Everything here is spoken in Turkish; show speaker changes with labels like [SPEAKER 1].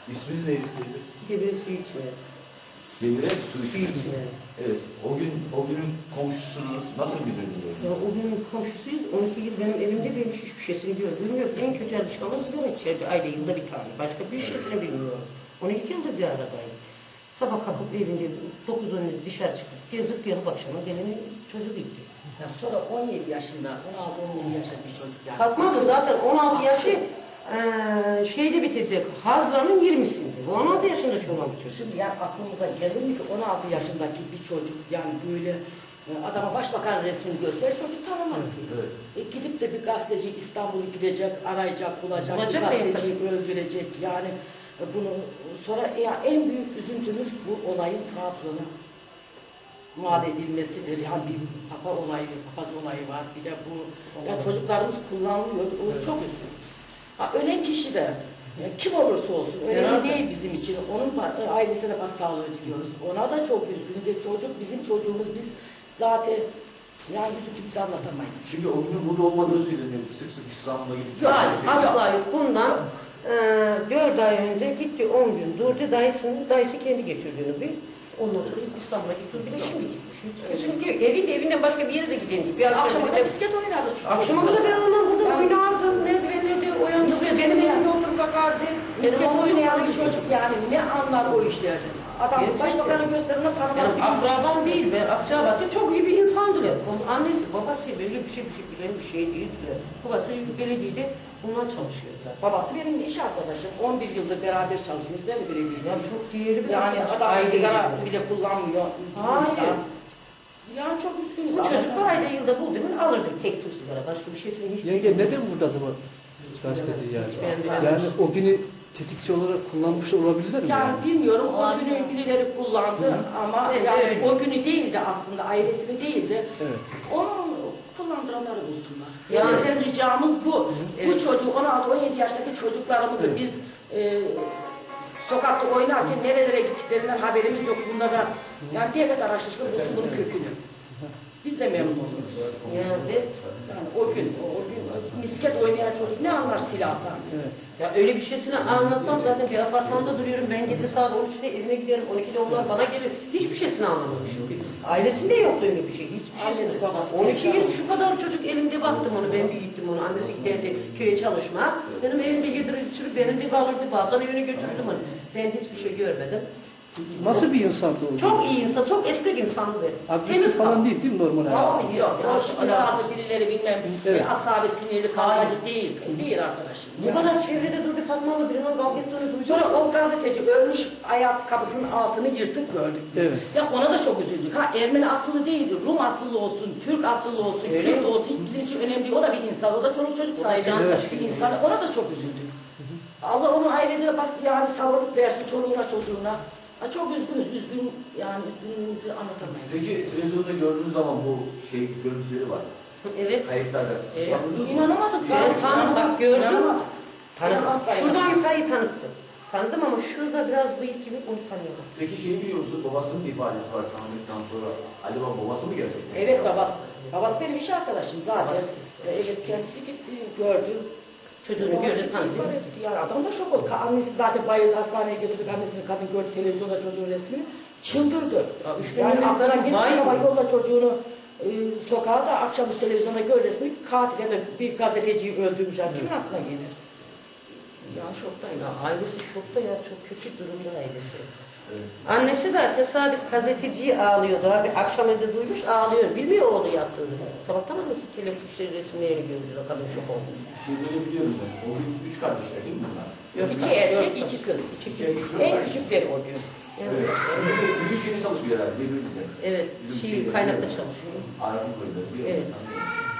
[SPEAKER 1] İsminiz neydi siz?
[SPEAKER 2] Demir su içmez.
[SPEAKER 1] Demire su
[SPEAKER 2] Su
[SPEAKER 1] içmez.
[SPEAKER 2] içmez.
[SPEAKER 1] Evet. O günün komşusunuz nasıl bilirdiniz?
[SPEAKER 2] Ya o gün komşusuyuz. 12 yıl benim elimde benim hiçbir şeysini gördüğüm yok. En kötü alışkanlığı sigara içerdi. Ayda yılda bir tane. Başka bir şeysini bilmiyorum. 12 yıldır bir aradayım. Sabah kalkıp evinde 9-10 dışarı çıkıp gezip gelip akşama geleni çocuk gitti.
[SPEAKER 3] Ya sonra 17 yaşında, 16-17 yaşında bir çocuk yani.
[SPEAKER 2] Fatma da zaten 16 yaşı şeyde bitecek. Hazran'ın 20'sinde. Bu 16 yaşında çoluğun bir çocuk.
[SPEAKER 3] Şimdi yani aklımıza gelir mi ki 16 yaşındaki bir çocuk yani böyle adama başbakan resmini göster çocuk tanımaz.
[SPEAKER 1] Evet.
[SPEAKER 3] Gidip de bir gazeteci İstanbul'u gidecek, arayacak, bulacak, bir
[SPEAKER 2] Bulacak
[SPEAKER 3] gazeteciyi öldürecek yani bunu sonra ya en büyük üzüntümüz bu olayın Trabzon'a mal edilmesidir. Yani bir papaz olayı var. Bir de bu yani çocuklarımız kullanılıyor. O çok üzülüyoruz. Ölen kişi de kim olursa olsun önemli değil bizim için. Onun ailesine başsağlığı diliyoruz. Ona da çok üzgünüz. Çocuk bizim çocuğumuz. Biz zaten yani üzüntümüzü anlatamayız.
[SPEAKER 1] Şimdi o günün burada olmadığı söyleniyor. Sık sık İstanbul'a gidip...
[SPEAKER 2] Hayır, asla yok. Bundan 4 ay önce gitti 10 gün durdu. Dayısı kendi getirdiğini bir. Ondan sonra İstanbul'a gitti. Bir de şimdi gitmiş. Şimdi evinden başka bir yere de gidelim. Bir
[SPEAKER 3] Akşama kadar bisiklet oynardı çocuk.
[SPEAKER 2] Akşama kadar ben ondan burada oynardım. Merdivenlerde uyandım. Benim elimde oturup bakardı.
[SPEAKER 3] Bisiklet oynayan bir çocuk yani ne anlar o işlerden? Adam başbakanın gösterimine tanımaz.
[SPEAKER 2] Benim akrabam değil. Ben Akçabat'ta çok iyi bir insandılar. Annesi, babası böyle bir şey bilen bir şey değildiler. Babası belediyede bundan çalışıyor zaten.
[SPEAKER 3] Babası benim iş arkadaşım. 11 yıldır beraber çalışıyoruz. Ben de belediyede.
[SPEAKER 2] Ya çok değerli bir
[SPEAKER 3] yani
[SPEAKER 2] arkadaş.
[SPEAKER 3] adam
[SPEAKER 2] Aile
[SPEAKER 3] sigara
[SPEAKER 2] gibi.
[SPEAKER 3] bile kullanmıyor.
[SPEAKER 2] Hayır.
[SPEAKER 3] Yani çok üzgünüz.
[SPEAKER 2] Bu çocuk da ayda yılda buldu mu alırdık tek tür sigara. Başka bir şeysini hiç
[SPEAKER 4] Yenge neden burada zaman gazeteci yani? Yani o günü tetikçi olarak kullanmış olabilirler mi?
[SPEAKER 3] Yani bilmiyorum o günü birileri kullandı ama yani o günü değildi aslında ailesini değildi.
[SPEAKER 4] Evet.
[SPEAKER 3] Onu kullandıranları bulsunlar.
[SPEAKER 2] Yani
[SPEAKER 3] ricamız bu. Bu çocuğu 16-17 yaştaki çocuklarımızı biz sokakta oynarken nerelere gittiklerinden haberimiz yok. Bunlara yani devlet araştırsın bulsun bunun kökünü. Biz de memnun oluruz.
[SPEAKER 2] yani
[SPEAKER 3] O gün misket oynayan çocuk ne anlar silahtan?
[SPEAKER 4] Evet.
[SPEAKER 2] ya öyle bir şeysini anlasam zaten bir apartmanda duruyorum. Ben gece saat 13'te evine giderim. 12'de onlar bana gelir. Hiçbir şeysini anlamadım çünkü. Ailesinde yoktu öyle bir şey. Hiçbir şeysini. 12 yıl şu kadar çocuk elimde baktım onu. Ben büyüttüm onu. Annesi giderdi köye çalışma. Benim evimde yedirir içirir. Benim de kalırdı. Bazen evine götürdüm onu. Ben hiçbir şey görmedim.
[SPEAKER 4] Nasıl bir insandı o?
[SPEAKER 2] Çok iyi insan. Çok esnek insandı.
[SPEAKER 4] Agresif falan değil mi normal hayatı?
[SPEAKER 3] Hayır, yok. Şimdi bazı birileri bilmem asabi sinirli kavgacı değil. Değil arkadaşım.
[SPEAKER 2] Bu kadar çevrede durdu Fatma abla birinin kavga ettiğini duydum.
[SPEAKER 3] Sonra o gazeteci ölmüş ayakkabısının altını yırtık gördük.
[SPEAKER 4] Evet.
[SPEAKER 3] Ya ona da çok üzüldük. Ermeni asıllı değildi. Rum asıllı olsun, Türk asıllı olsun, Kürt olsun. Hiç bizim için önemli değil. O da bir insan. O da çoluk çocuk sahibi. Bir insan. Ona da çok üzüldük. Allah onun ailesine yani sabırlık versin çoluğuna çocuğuna. Çok üzgünüz. Yani üzgünlüğümüzü anlatamayız.
[SPEAKER 1] Peki televizyonda gördüğünüz zaman bu görüntüleri var.
[SPEAKER 2] Evet.
[SPEAKER 1] Kayıtlarda.
[SPEAKER 3] İnanamadık.
[SPEAKER 2] Ben tanıdım bak gördüm.
[SPEAKER 3] İnanamadık.
[SPEAKER 2] Tanıdım.
[SPEAKER 3] Asla
[SPEAKER 2] Şuradan
[SPEAKER 3] inanamadık.
[SPEAKER 2] yukarıyı tanıttım. Tanıdım ama şurada biraz bıyık gibi onu tanıyorum.
[SPEAKER 1] Peki şeyi biliyor musunuz? Babasının ifadesi var tanıdıktan sonra. Acaba babası mı gerçekten?
[SPEAKER 3] Evet babası. Babası benim iş arkadaşım zaten. Evet kendisi gitti gördü.
[SPEAKER 2] Çocuğunu gördü tanıdı.
[SPEAKER 3] Yani adam da şok oldu. Annesi zaten bayıldı hastaneye götürdük annesini kadın gördü televizyonda çocuğun resmini. Çıldırdı. Yani aklına gitmiş ama yolla çocuğunu sokağa da akşamüstü televizyonda gör resmini katil yani bir gazeteciyi öldürmüş. Yani kimin aklına gelir? Yani şoktayım.
[SPEAKER 2] Ya ailesi şokta ya çok kötü durumda ailesi. Evet. Annesi de tesadüf gazeteciyi ağlıyordu abi. Akşam önce duymuş ağlıyor. Bilmiyor oğlu yattığını. Sabahtan annesi telefon resimlerini gördü. Kadın şok oldu.
[SPEAKER 1] Şeyleri biliyorum ben. O gün 3 kardeşler değil mi bunlar?
[SPEAKER 2] Yok,
[SPEAKER 3] 2 erkek 2 kız. En küçükleri o gün.
[SPEAKER 1] Evet. Bugün şeyini çalışıyor herhalde.
[SPEAKER 2] Evet. Kaynakta çalışıyor.
[SPEAKER 1] Araf'ın koyuları.
[SPEAKER 2] Evet.